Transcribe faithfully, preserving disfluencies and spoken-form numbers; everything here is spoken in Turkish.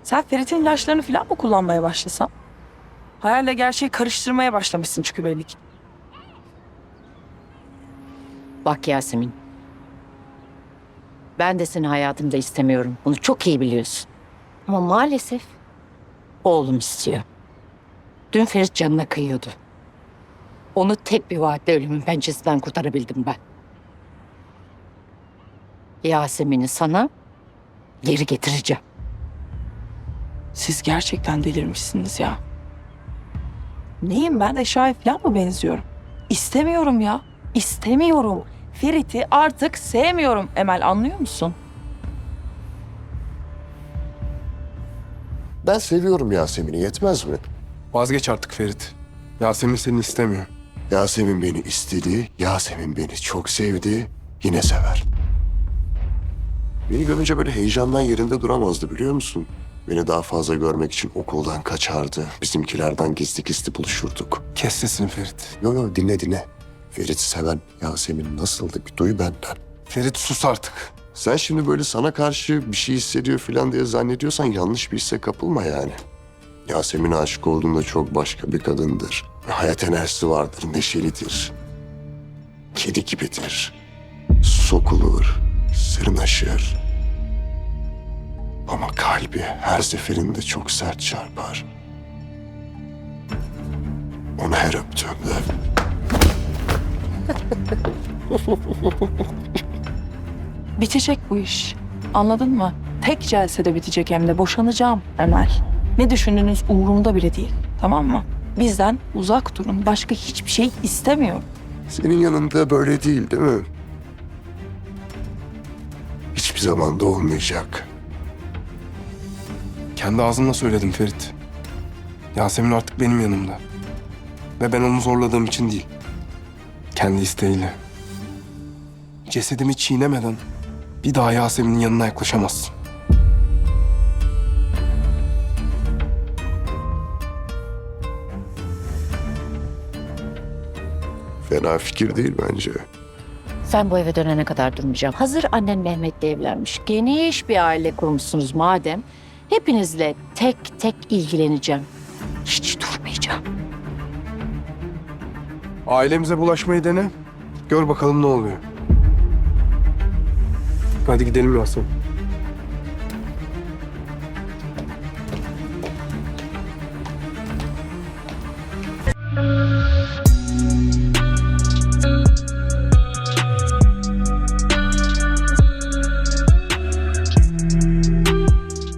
Sen Ferit'in ilaçlarını falan mı kullanmaya başlasan? Hayalle gerçeği karıştırmaya başlamışsın çünkü belli ki. Bak Yasemin. Ben de seni hayatımda istemiyorum. Bunu çok iyi biliyorsun. Ama maalesef oğlum istiyor. Dün Ferit canına kıyıyordu. Onu tek bir vaatle ölümün pençesinden kurtarabildim ben. Yasemin'i sana geri getireceğim. Siz gerçekten delirmişsiniz ya. Neyim ben, eşyaya falan mı benziyorum? İstemiyorum ya. İstemiyorum. Ferit'i artık sevmiyorum Emel, anlıyor musun? Ben seviyorum Yasemin'i, yetmez mi? Vazgeç artık Ferit. Yasemin seni istemiyor. Yasemin beni istedi, Yasemin beni çok sevdi, yine sever. Beni görünce böyle heyecandan yerinde duramazdı biliyor musun? Beni daha fazla görmek için okuldan kaçardı. Bizimkilerden gizli gizli buluşurduk. Kes sesini Ferit. Yo yo dinle dinle. Ferit'i seven Yasemin nasıldı bir duy benden. Ferit sus artık. Sen şimdi böyle sana karşı bir şey hissediyor falan diye zannediyorsan yanlış bir hisse kapılma yani. Yasemin'e aşık olduğunda çok başka bir kadındır. Hayat enerjisi vardır, neşelidir. Kedi gibidir. Sokulur, sırnaşır. Ama kalbi her seferinde çok sert çarpar. Onu her öptüğümde Bitecek bu iş. Anladın mı? Tek celsede bitecek, hem de boşanacağım Emel. Ne düşündüğünüz umurumda bile değil. Tamam mı? Bizden uzak durun. Başka hiçbir şey istemiyorum. senin yanında böyle değil değil mi? Hiçbir zaman da olmayacak. Kendi ağzımla söyledim Ferit. Yasemin artık benim yanımda. Ve ben onu zorladığım için değil. Kendi isteğiyle. Cesedimi çiğnemeden bir daha Yasemin'in yanına yaklaşamazsın. Fena fikir değil bence. Sen bu eve dönene kadar durmayacağım. Hazır annen Mehmet'le evlenmiş. Geniş bir aile kurmuşsunuz madem. Hepinizle tek tek ilgileneceğim. Hiç durmayacağım. Ailemize bulaşmayı dene. Gör bakalım ne oluyor. Hadi gidelim Yasemin.